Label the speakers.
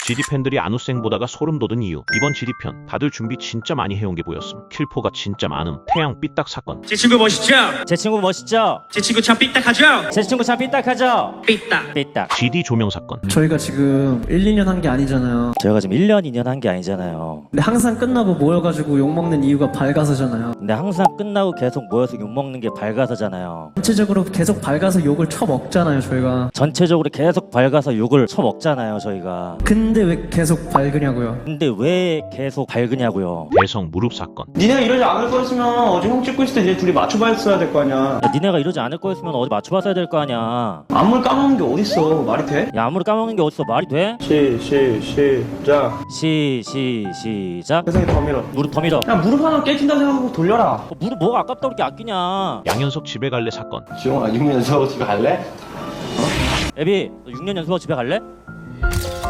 Speaker 1: GD 팬들이 안우생 보다가 소름 돋은 이유. 이번 GD 편 다들 준비 진짜 많이 해온 게 보였음. 킬포가 진짜 많음. 태양 삐딱 사건.
Speaker 2: 제 친구 멋있죠?
Speaker 3: 제 친구 멋있죠?
Speaker 2: 제 친구 참 삐딱하죠?
Speaker 3: 제 친구 참 삐딱하죠?
Speaker 2: 삐딱.
Speaker 3: 삐딱.
Speaker 1: GD 조명 사건.
Speaker 4: 저희가 지금 1, 2년 한 게 아니잖아요.
Speaker 3: 저희가 지금 1년, 2년 한 게 아니잖아요.
Speaker 4: 근데 항상 끝나고 모여가지고 욕먹는 이유가 밝아서잖아요.
Speaker 3: 근데 항상 끝나고 계속 모여서 욕먹는 게 밝아서잖아요.
Speaker 4: 전체적으로 계속 밝아서 욕을 쳐먹잖아요, 저희가.
Speaker 3: 전체적으로 계속 밝아서 욕을 쳐먹잖아요, 저희가.
Speaker 4: 근데 왜 계속 밝으냐고요.
Speaker 3: 근데 왜 계속 밝으냐고요.
Speaker 1: 대성 무릎 사건.
Speaker 5: 니네가 이러지 않을 거였으면 어제 형 찍고 있을 때 이제 둘이 맞춰봤어야 될 거 아니야.
Speaker 3: 야, 니네가 이러지 않을 거였으면 어디 맞춰봤어야 될 거 아니야.
Speaker 5: 안무를 까먹는 게 어딨어. 말이 돼?
Speaker 3: 야, 아무리 까먹는 게 어딨어. 말이 돼?
Speaker 5: 시작.
Speaker 3: 시작.
Speaker 5: 세상에 더 밀어.
Speaker 3: 무릎 더 밀어.
Speaker 5: 야 무릎 하나 깨진다 생각하고 돌려라.
Speaker 3: 무릎 뭐가 아깝다 그렇게 아끼냐.
Speaker 1: 양현석 집에 갈래 사건.
Speaker 5: 지용아 6년 연습하고 집에 갈래?
Speaker 3: 애비, 너 6년 연습하고 집에 갈래?